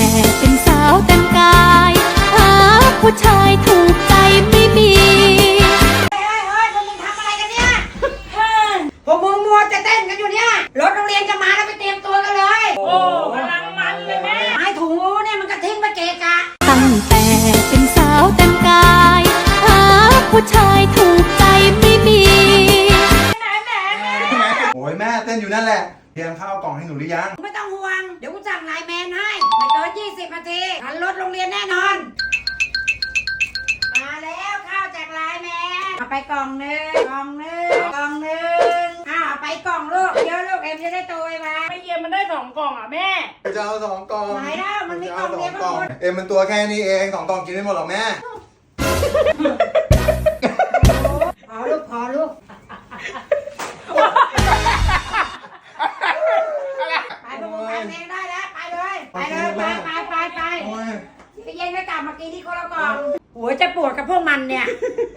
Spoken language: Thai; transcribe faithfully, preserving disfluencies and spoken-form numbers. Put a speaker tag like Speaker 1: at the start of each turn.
Speaker 1: เป็นสาวแต่งกายหาผู้ชายถูกใจไม่มี
Speaker 2: เฮ้ยเฮ้ยพวกมึงทำอะไรกันเนี่ยพวกมึงมัวจะเต้นกันอยู่เนี่ยรถโรงเรียนจะมาแล้วไปเตรียมตัวกันเลยโอ้กำลังมันเลยแม่ไม้ถุงงูเนี่ยมันก็ทิ้งไปเกะกะ
Speaker 1: ตั้งแต่เป็นสาวแต่งกายหาผู้ชายถูกใจไม่มี
Speaker 3: โอ้ยแม่เต้นอยู่นั่นแหละเตรียมข้าวกล่องให้หนูหรือยัง
Speaker 2: ไม่ต้องห่วงเดี๋ยวกูสั่งไลน์แมนให้ไม่เกินยี่สิบนาทีทันรถโรงเรียนแน่นอนมาแล้วข้าวจากไลน์แมนเอาไปกล่องหนึ่งกล่องหนึ่งกล่องหนึ่งอ้าวไปกล่องลูกเดี๋ยวลูกเอ็มจะได้โตไวมาไม่เยี่ยมมันได้สองกล่องอ่ะแม่
Speaker 3: จะเอาสองกล่อง
Speaker 2: ไหนแล้วมันมีกล่องเดียวกันหมด
Speaker 3: เอ็มมันตัวแค่นี้เองสองกล่องกินไม่หมดหรอกแม่
Speaker 2: ขอลูกขอลูกไปพวกมึงทำเองได้แล้วไปเลยไปเลยไปไปไปไปไปเย็นก็กลับมากินที่คนละกล่องโอ้ยจะปวดกับพวกมันเนี่ย